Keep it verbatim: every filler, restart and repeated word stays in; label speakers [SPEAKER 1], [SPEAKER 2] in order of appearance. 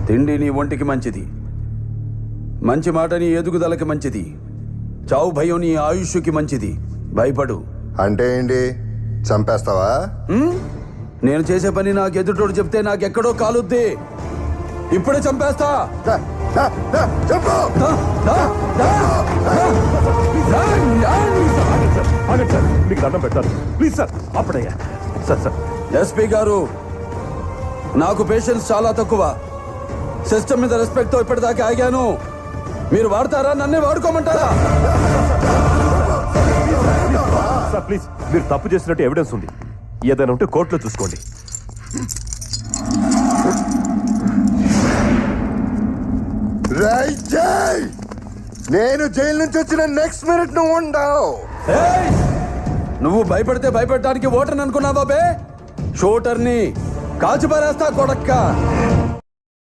[SPEAKER 1] తిండి నీ ఒంటికి మంచిది, మంచి మాట నీ ఎదుగుదలకి మంచిది, చావు భయం నీ ఆయుష్కి మంచిది. భయపడు.
[SPEAKER 2] అంటే ఏంటి, చంపేస్తావా?
[SPEAKER 1] నేను చేసే పని నాకు ఎదుటోడు చెప్తే నాకెక్కడో కాలుద్ది. ఇప్పుడే చంపేస్తా.
[SPEAKER 2] దా, దా, దా, చెప్పు.
[SPEAKER 1] దా, దా, దా, దా.
[SPEAKER 3] ఆగండి సార్, మీకు దండం పెట్టాలి ప్లీజ్ సార్. అప్పుడయ్యా సార్ సార్
[SPEAKER 1] ఎస్పీ గారు, నాకు పేషెన్స్ చాలా తక్కువ. సిస్టమ్ మీద రెస్పెక్ట్ తో ఇప్పటిదాకా ఆగాను. మీరు వాడతారా, నన్నే వాడుకోమంటారా?
[SPEAKER 3] సార్ ప్లీజ్, మీరు తప్పు చేసినట్టు ఎవిడెన్స్ ఉంది, ఏదైనా ఉంటే కోర్టులో చూసుకోండి.
[SPEAKER 2] రై జై, నేను జైలు నుంచి వచ్చిన నెక్స్ట్ మినిట్ నువ్వు ఉండవు.
[SPEAKER 1] ఏయ్! నువ్వు భయపడితే భయపెట్టడానికి ఓటర్ని అనుకున్నావా బే? షూటర్ని కాల్చి పారేస్తా కొడక్క.